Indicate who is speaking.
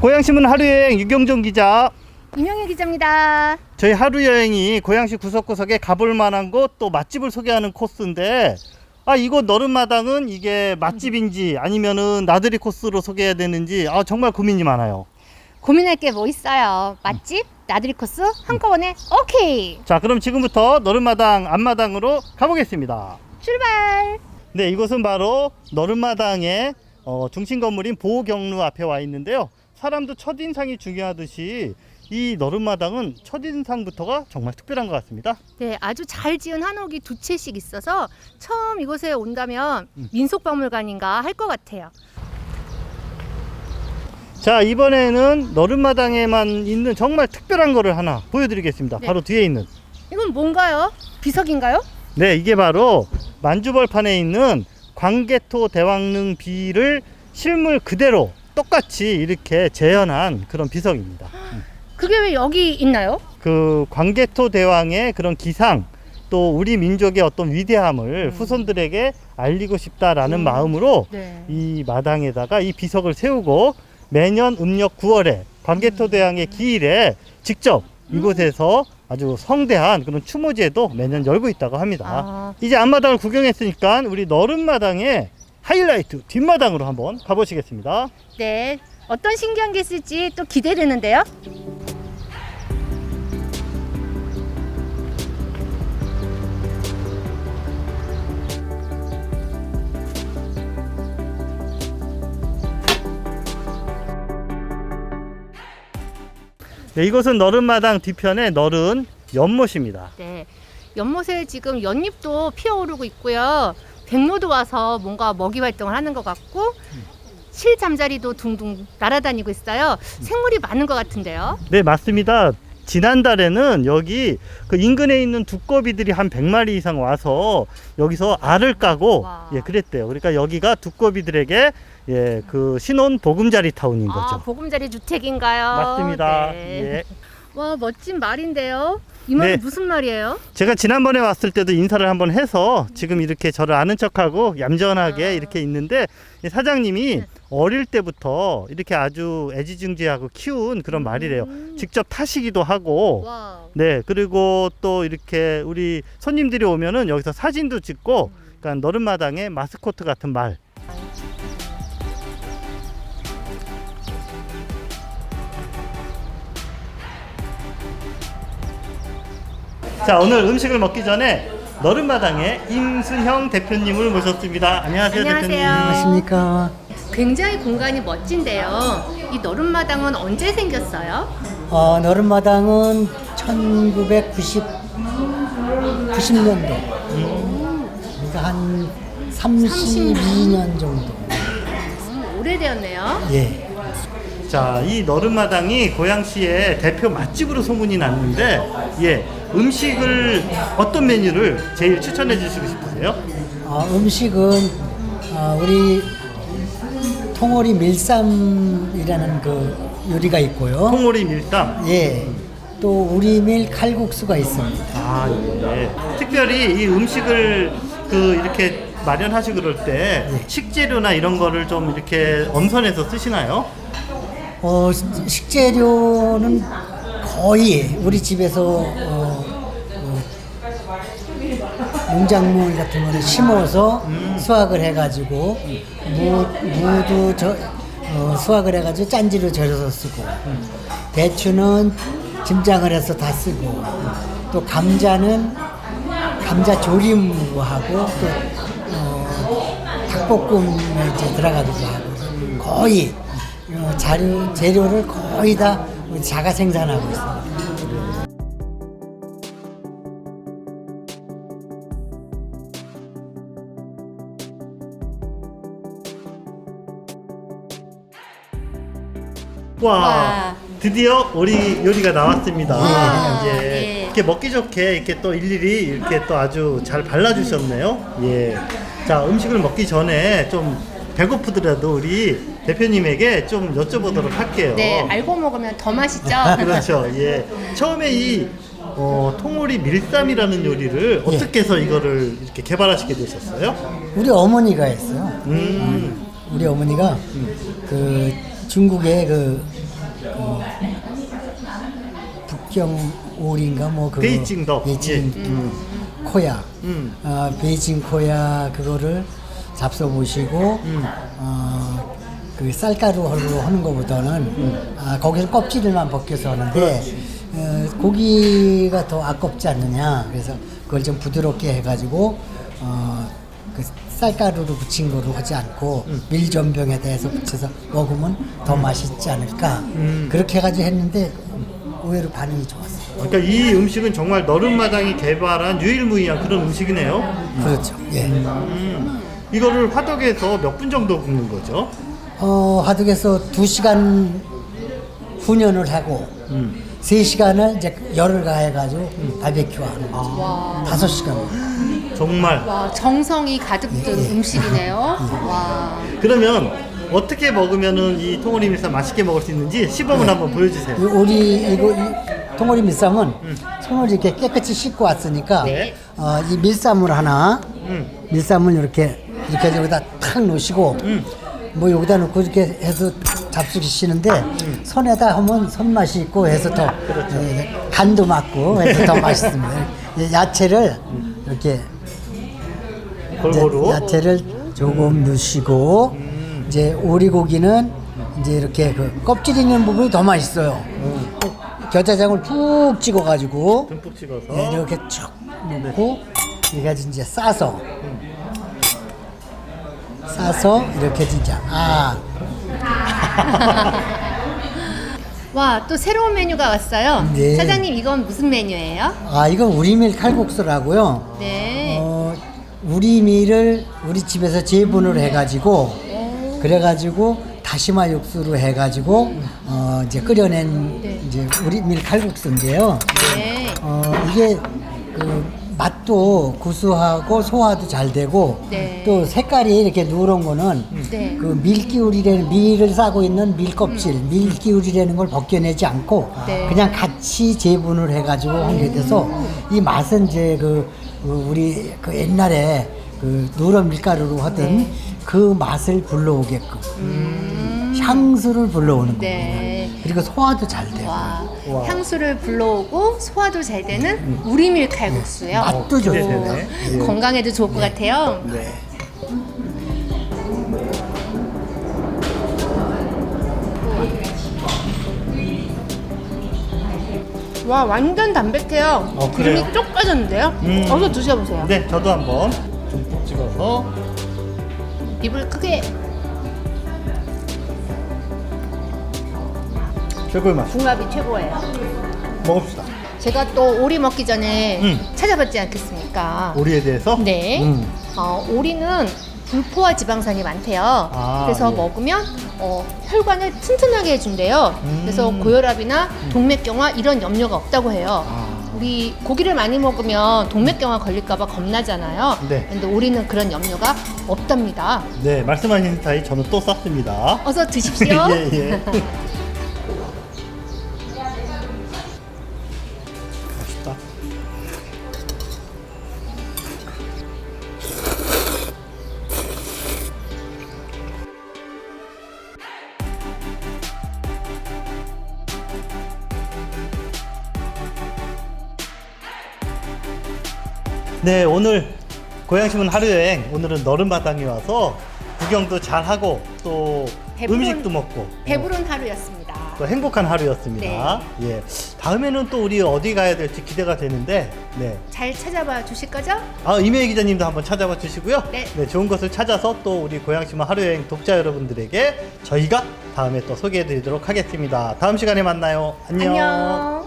Speaker 1: 고양시문 하루여행 유경종 기자,
Speaker 2: 임영희 기자입니다.
Speaker 1: 저희 하루여행이 고양시 구석구석에 가볼 만한 곳 또 맛집을 소개하는 코스인데, 이곳 너른마당은 이게 맛집인지 아니면은 나들이 코스로 소개해야 되는지 정말 고민이 많아요.
Speaker 2: 고민할 게 뭐 있어요. 맛집, 나들이 코스 한꺼번에 오케이.
Speaker 1: 자, 그럼 지금부터 너른마당 앞마당으로 가보겠습니다.
Speaker 2: 출발.
Speaker 1: 네, 이곳은 바로 너른마당의 중심 건물인 보경루 앞에 와 있는데요. 사람도 첫인상이 중요하듯이 이 너른마당은 첫인상부터가 정말 특별한 것 같습니다.
Speaker 2: 네, 아주 잘 지은 한옥이 두 채씩 있어서 처음 이곳에 온다면 민속박물관인가 할 것 같아요.
Speaker 1: 자, 이번에는 너른마당에만 있는 정말 특별한 거를 하나 보여드리겠습니다.
Speaker 2: 네.
Speaker 1: 바로 뒤에 있는,
Speaker 2: 이건 뭔가요? 비석인가요?
Speaker 1: 네, 이게 바로 만주벌판에 있는 광개토 대왕릉 비를 실물 그대로 똑같이 이렇게 재현한 그런 비석입니다.
Speaker 2: 그게 왜 여기 있나요?
Speaker 1: 그 광개토 대왕의 그런 기상, 또 우리 민족의 어떤 위대함을 후손들에게 알리고 싶다라는 마음으로
Speaker 2: 네.
Speaker 1: 이 마당에다가 이 비석을 세우고 매년 음력 9월에 광개토 대왕의 기일에 직접 이곳에서 아주 성대한 그런 추모제도 매년 열고 있다고 합니다. 이제 앞마당을 구경했으니까 우리 너른마당의 하이라이트 뒷마당으로 한번 가보시겠습니다.
Speaker 2: 네, 어떤 신기한 게 있을지 또 기대되는데요.
Speaker 1: 네, 이곳은 너른마당 뒤편의 너른 연못입니다.
Speaker 2: 네, 연못에 지금 연잎도 피어오르고 있고요. 백로도 와서 뭔가 먹이 활동을 하는 것 같고 실잠자리도 둥둥 날아다니고 있어요. 생물이 많은 것 같은데요.
Speaker 1: 네, 맞습니다. 지난달에는 여기 그 인근에 있는 두꺼비들이 한 100마리 이상 와서 여기서 알을 까고 그랬대요. 그러니까 여기가 두꺼비들에게 그 신혼 보금자리 타운인 거죠.
Speaker 2: 보금자리 주택인가요?
Speaker 1: 맞습니다.
Speaker 2: 네. 와, 멋진 말인데요. 이 말은
Speaker 1: 네.
Speaker 2: 무슨 말이에요?
Speaker 1: 제가 지난번에 왔을 때도 인사를 한번 해서 지금 이렇게 저를 아는 척하고 얌전하게 이렇게 있는데, 이 사장님이 어릴 때부터 이렇게 아주 애지중지하고 키운 그런 말이래요. 직접 타시기도 하고,
Speaker 2: 와우.
Speaker 1: 네, 그리고 또 이렇게 우리 손님들이 오면은 여기서 사진도 찍고, 그러니까 너른마당의 마스코트 같은 말. 자, 오늘 음식을 먹기 전에 너른마당의 임순형 대표님을 모셨습니다. 안녕하세요,
Speaker 2: 안녕하세요.
Speaker 1: 대표님.
Speaker 3: 안녕하십니까.
Speaker 2: 굉장히 공간이 멋진데요. 이 너른마당은 언제 생겼어요?
Speaker 3: 너른마당은 1990년도. 그러니까 한 32년 정도.
Speaker 2: 오래되었네요.
Speaker 3: 예.
Speaker 1: 자, 이 너른마당이 고양시의 대표 맛집으로 소문이 났는데, 음식을 어떤 메뉴를 제일 추천해 주시고 싶으세요?
Speaker 3: 음식은 우리 통오리 밀쌈이라는 그 요리가 있고요.
Speaker 1: 통오리 밀담.
Speaker 3: 예. 또 우리밀 칼국수가 있습니다.
Speaker 1: 특별히 이 음식을 이렇게 마련하시고 그럴 때 식재료나 이런 거를 좀 이렇게 엄선해서 쓰시나요?
Speaker 3: 식재료는 거의 우리 집에서 농작물 같은 거를 심어서 수확을 해가지고 무도 수확을 해가지고 짠지로 절여서 쓰고, 배추는 김장을 해서 다 쓰고, 또 감자는 감자 조림으로 하고, 또 닭볶음에 이제 들어가기도 하고, 거의 재료를 거의 다 자가 생산하고 있습니다.
Speaker 1: 와, 드디어 우리 요리가 나왔습니다.
Speaker 2: 와,
Speaker 1: 예.
Speaker 2: 네.
Speaker 1: 이렇게 먹기 좋게 이렇게 또 일일이 이렇게 또 아주 잘 발라주셨네요. 예. 자, 음식을 먹기 전에 좀 배고프더라도 우리 대표님에게 좀 여쭤보도록 할게요.
Speaker 2: 네, 알고 먹으면 더 맛있죠.
Speaker 1: 그렇죠. 예. 처음에 이 통오리 밀쌈이라는 요리를 어떻게 해서 이거를 이렇게 개발하시게 되셨어요?
Speaker 3: 우리 어머니가 했어요. 우리 어머니가 그 중국의 그 북경 오리인가 뭐 그거
Speaker 1: 베이징덕.
Speaker 3: 베이징 코야 베이징 코야 그거를 잡숴 보시고 그 쌀가루로 하는 것보다는 거기서 껍질만 벗겨서 하는데 고기가 더 아깝지 않느냐 그래서 그걸 좀 부드럽게 해가지고 그 쌀가루로 부친 거로 하지 않고 밀전병에다 해서 붙여서 먹으면 더 맛있지 않을까 그렇게 해가지고 했는데 의외로 반응이 좋았어요.
Speaker 1: 그러니까 이 음식은 정말 너른마당이 개발한 유일무이한 그런 음식이네요.
Speaker 3: 그렇죠. 예.
Speaker 1: 이거를 화덕에서 몇 분 정도 굽는 거죠?
Speaker 3: 화덕에서 2시간 훈연을 하고 3시간을 이제 열을 가해가지고 바베큐 하는 거죠. 5시간.
Speaker 1: 정말.
Speaker 2: 와, 정성이 가득 든 음식이네요. 와.
Speaker 1: 그러면 어떻게 먹으면은 이 통오리 밀쌈 맛있게 먹을 수 있는지 시범을 한번 보여주세요.
Speaker 3: 우리 이거 통오리 밀쌈은 손을 이렇게 깨끗이 씻고 왔으니까
Speaker 1: 네.
Speaker 3: 이 밀쌈을 하나 밀쌈을 이렇게 여기다 탁 놓으시고 뭐 여기다 놓고 이렇게 해서 잡수시는데 손에다 하면 손맛이 있고 해서 더 간도 맞고 해서 더 맛있습니다. 야채를 이렇게
Speaker 1: 골고루.
Speaker 3: 야채를 조금 넣으시고 이제 오리고기는 이제 이렇게 그 껍질 있는 부분이 더 맛있어요. 겨자장을 푹 찍어가지고
Speaker 1: 듬뿍 찍어서.
Speaker 3: 네, 이렇게 쭉 넣고 이렇게 이제 싸서 이렇게 진짜
Speaker 2: 와, 또 새로운 메뉴가 왔어요.
Speaker 3: 네.
Speaker 2: 사장님, 이건 무슨 메뉴예요?
Speaker 3: 이건 우리밀 칼국수라고요.
Speaker 2: 네.
Speaker 3: 우리 밀을 우리 집에서 재분을 해가지고 그래가지고 다시마 육수로 해가지고 이제 끓여낸 이제 우리 밀 칼국수인데요.
Speaker 2: 네.
Speaker 3: 이게 그 맛도 구수하고 소화도 잘 되고
Speaker 2: 네.
Speaker 3: 또 색깔이 이렇게 누런 거는
Speaker 2: 네.
Speaker 3: 그 밀기울이라는 밀을 싸고 있는 밀껍질, 밀기울이라는 걸 벗겨내지 않고
Speaker 2: 네.
Speaker 3: 그냥 같이 재분을 해가지고 한 게 돼서 이 맛은 이제 우리 그 옛날에 그 누런 밀가루로 하던
Speaker 2: 네.
Speaker 3: 그 맛을 불러오게끔 향수를 불러오는
Speaker 2: 네.
Speaker 3: 겁니다. 그리고 소화도 잘 돼요.
Speaker 2: 와,
Speaker 1: 와.
Speaker 2: 향수를 불러오고 소화도 잘 되는 우리밀 칼국수요.
Speaker 3: 맛도 좋고
Speaker 1: 기대되네. 예.
Speaker 2: 건강에도 좋을 것 같아요.
Speaker 1: 네.
Speaker 2: 와, 완전 담백해요.
Speaker 1: 그래요?
Speaker 2: 기름이 쪽 빠졌는데요? 어서 드셔보세요.
Speaker 1: 네, 저도 한번 듬뿍 찍어서.
Speaker 2: 입을 크게.
Speaker 1: 최고의 맛.
Speaker 2: 궁합이 최고예요.
Speaker 1: 먹읍시다.
Speaker 2: 제가 또 오리 먹기 전에
Speaker 1: 음.
Speaker 2: 찾아봤지 않겠습니까?
Speaker 1: 오리에 대해서?
Speaker 2: 네. 오리는 불포화 지방산이 많대요. 그래서
Speaker 1: 예.
Speaker 2: 먹으면 혈관을 튼튼하게 해준대요. 그래서 고혈압이나 동맥경화 이런 염려가 없다고 해요. 우리 고기를 많이 먹으면 동맥경화 걸릴까봐 겁나잖아요.
Speaker 1: 네.
Speaker 2: 근데 오리는 그런 염려가 없답니다.
Speaker 1: 네, 말씀하신 스타일 저는 또 쌌습니다.
Speaker 2: 어서 드십시오.
Speaker 1: 예, 예. 맛있다. 네, 오늘 고양시문 하루여행, 오늘은 너른마당에 와서 구경도 잘하고 또
Speaker 2: 배부른-
Speaker 1: 음식도 먹고
Speaker 2: 배부른 하루였습니다.
Speaker 1: 또 행복한 하루였습니다. 예, 다음에는 또 우리 어디 가야 될지 기대가 되는데, 네.
Speaker 2: 잘 찾아봐 주실 거죠?
Speaker 1: 이메일 기자님도 한번 찾아봐 주시고요.
Speaker 2: 네.
Speaker 1: 좋은 것을 찾아서 또 우리 고양시문 하루여행 독자 여러분들에게 저희가 다음에 또 소개해 드리도록 하겠습니다. 다음 시간에 만나요. 안녕.
Speaker 2: 안녕.